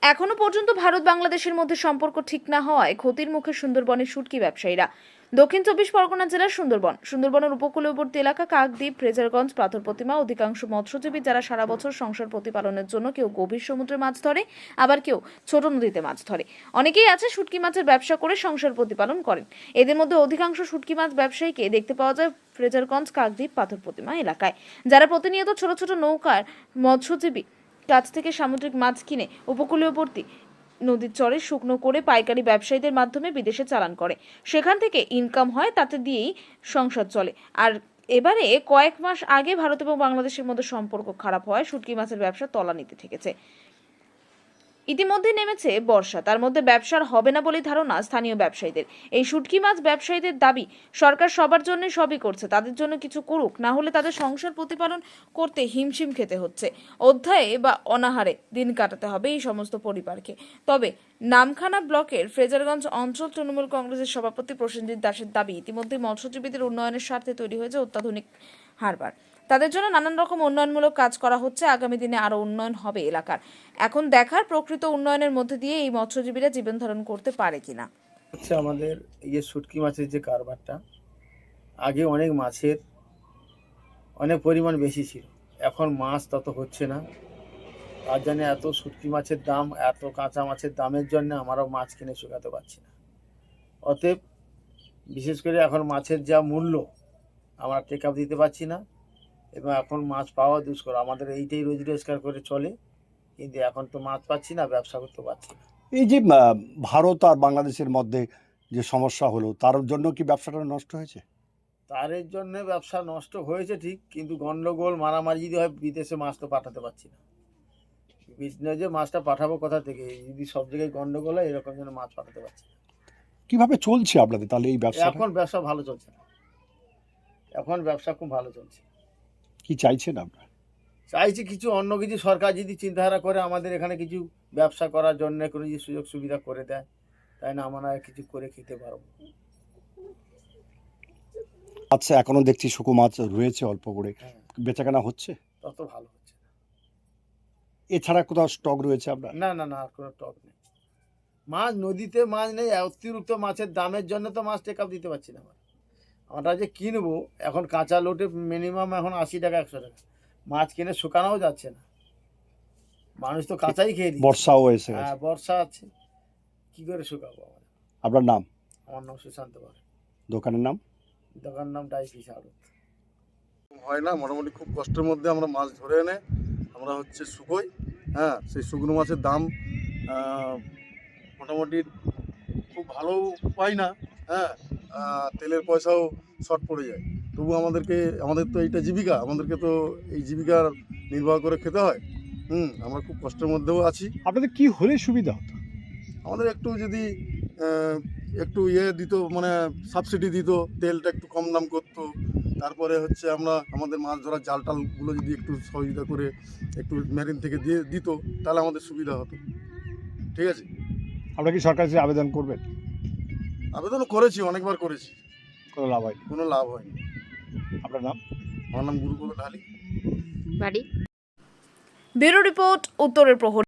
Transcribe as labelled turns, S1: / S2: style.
S1: এখনো পর্যন্ত ভারত বাংলাদেশের মধ্যে সম্পর্ক ঠিক না হওয়ায় ক্ষতির মুখে সুন্দরবনের শুটকি ব্যবসায়ীরা। দক্ষিণ ২৪ পরগনা জেলার সুন্দরবনের উপকূলবর্তী এলাকা কাকদ্বীপ, ফ্রেজারগঞ্জ, পাথর প্রতিমা অধিকাংশ মৎস্যজীবী যারা সারা বছর সংসার প্রতিপালনের জন্য কেউ গভীর সমুদ্রে মাছ ধরে, আবার কেউ ছোট নদীতে মাছ ধরে। অনেকেই আছে শুটকি মাছের ব্যবসা করে সংসার প্রতিপালন করেন। এদের মধ্যে অধিকাংশ শুটকি মাছ ব্যবসায়ীকে দেখতে পাওয়া যায় ফ্রেজারগঞ্জ, কাকদ্বীপ, পাথর প্রতিমা এলাকায়, যারা প্রতিনিয়ত ছোট ছোট নৌকার মৎস্যজীবী কাছ থেকে সামুদ্রিক মাছ কিনে উপকূলীয়বর্তী নদীর চরে শুকনো করে পাইকারি ব্যবসায়ীদের মাধ্যমে বিদেশে চালান করে। সেখান থেকে ইনকাম হয়, তাতে দিয়েই সংসার চলে। আর এবারে কয়েক মাস আগে ভারত এবং বাংলাদেশের মধ্যে সম্পর্ক খারাপ হওয়ায় শুটকি মাছের ব্যবসা তলানিতে ঠেকেছে। ইতিমধ্যে নেমেছে বর্ষা, তার মধ্যে ব্যবসার হবে না বলে ধারণা স্থানীয় ব্যবসায়ীদের। এই শুটকি মাছ ব্যবসায়ীদের দাবি, সরকার সবার জন্য সবই করছে, তাদের জন্য কিছু করুক, না হলে তাদের সংসার প্রতিপালন করতে হিমশিম খেতে হচ্ছে। অধ্যায়ে বা অনাহারে দিন কাটাতে হবে এই সমস্ত পরিবারকে। তবে নামখানা ব্লকের ফ্রেজারগঞ্জ অঞ্চল তৃণমূল কংগ্রেসের সভাপতি প্রসেনজিৎ দাসের দাবি, ইতিমধ্যে মৎস্যজীবীদের উন্নয়নের স্বার্থে তৈরি হয়েছে অত্যাধুনিক হারবার। তাদের জন্য নানান রকম উন্নয়নমূলক কাজ করা হচ্ছে। আগামী দিনে আরো উন্নয়ন হবে এলাকার। এখন দেখার প্রকৃত উন্নয়নের মধ্যে দিয়ে এই মৎস্যজীবীরা জীবন ধারণ করতে পারে কিনা।
S2: হচ্ছে আমাদের শুটকি মাছের যে কারবারটা, আগে অনেক মাছের অনেক পরিমাণ বেশি ছিল, এখন মাছ তত হচ্ছে না। তার জন্য এত শুটকি মাছের দাম, এত কাঁচা মাছের দামের জন্য আমরাও মাছ কিনে শুকাতে পারছি না। অতএব বিশেষ করে এখন মাছের যা মূল্য, আমরা টেক আপ দিতে পারছি না এবং এখন মাছ পাওয়া দুষ্কর। আমাদের এইটাই রোজি রোজগার করে চলে, কিন্তু এখন তো মাছ পাচ্ছি না, ব্যবসা করতে পারছি না।
S3: এই যে ভারত আর বাংলাদেশের মধ্যে যে সমস্যা হলো, তার জন্য কি ব্যবসাটা নষ্ট হয়েছে?
S2: তারের জন্য ব্যবসা নষ্ট হয়েছে ঠিক, কিন্তু গন্ডগোল মারামারি যদি হয়, বিদেশে মাছ তো পাঠাতে পারছি না। বিজনেসে মাছটা পাঠাবো কোথা থেকে, যদি সব জায়গায় গন্ডগোল হয়, এরকম যেন মাছ পাঠাতে পারছি না।
S3: কিভাবে চলছে আপনাদের তাহলে এই ব্যবসা?
S2: এখন ব্যবসা ভালো চলছে না, এখন ব্যবসা খুব ভালো চলছে।
S3: কি চাইছেন আপনারা?
S2: চাইছি কিছু অন্য কিছু, সরকার যদি চিন্তাধারা করে আমাদের এখানে কিছু ব্যবসা করার জন্য কোনো যে সুযোগ সুবিধা করে দেয়, তাই না আমরা কিছু করে খেতে পারবো।
S3: আচ্ছা, এখনো দেখছি শুকো মাছ রয়েছে অল্প করে,
S2: হ্যাঁ,
S3: বেচাকেনা হচ্ছে?
S2: তত ভালো হচ্ছে না।
S3: এছাড়া কোথাও স্টক রয়েছে আপনার?
S2: না না না, আর কোনো টক নেই। মাছ নদীতে মাছ নেই, অতিরিক্ত মাছের দামের জন্য তো মাছ টেক আপ দিতে পারছি না। আমরা যে কিনবো এখন কাঁচা লোটে মিনিমাম এখন 80 টাকা 100 টাকা, মাছ কিনে শুকানোও যাচ্ছে না। মানুষ তো কাঁচাই খেয়ে দিচ্ছে।
S3: বর্ষাও এসে গেছে।
S2: হ্যাঁ, বর্ষা আছে, কি করে শুকাবো আমরা।
S3: আপনার নাম?
S2: আমার নাম সুশান্ত পাল।
S3: দোকানের নাম?
S2: দোকান নাম ডাইফিশ আড়ত।
S4: হয় না, মোটামুটি খুব কষ্টের মধ্যে আমরা মাছ ধরে এনে আমরা শুকোই। হ্যাঁ, সেই শুকনো মাছের দাম মোটামুটি খুব ভালো পাই না। হ্যাঁ, তেলের পয়সাও শর্ট পড়ে যায়। তবু আমাদের তো এইটা জীবিকা, আমাদেরকে তো এই জীবিকার নির্বাহ করে খেতে হয়। আমরা খুব কষ্টের মধ্যেও আছি।
S3: আপনাদের কি হলে সুবিধা হতো?
S4: আমাদের একটু যদি একটু দিত, মানে সাবসিডি দিত, তেলটা একটু কম দাম করতো। তারপরে আমাদের মাছ ধরার জাল টালগুলো যদি একটু সহযোগিতা করে একটু মেরিন থেকে দিয়ে দিত, তাহলে আমাদের সুবিধা হতো। ঠিক আছে,
S3: আপনারা কি সরকার কাছে আবেদন করবেন?
S4: আবেদন করেছি, অনেকবার করেছি,
S3: কোনো লাভ হয়নি?
S4: কোনো লাভ হয়নি।
S3: আপনার নাম?
S4: আমার নাম গুরুপদ ঢালি।
S1: ব্যুরো রিপোর্ট, উত্তরের প্রহরী।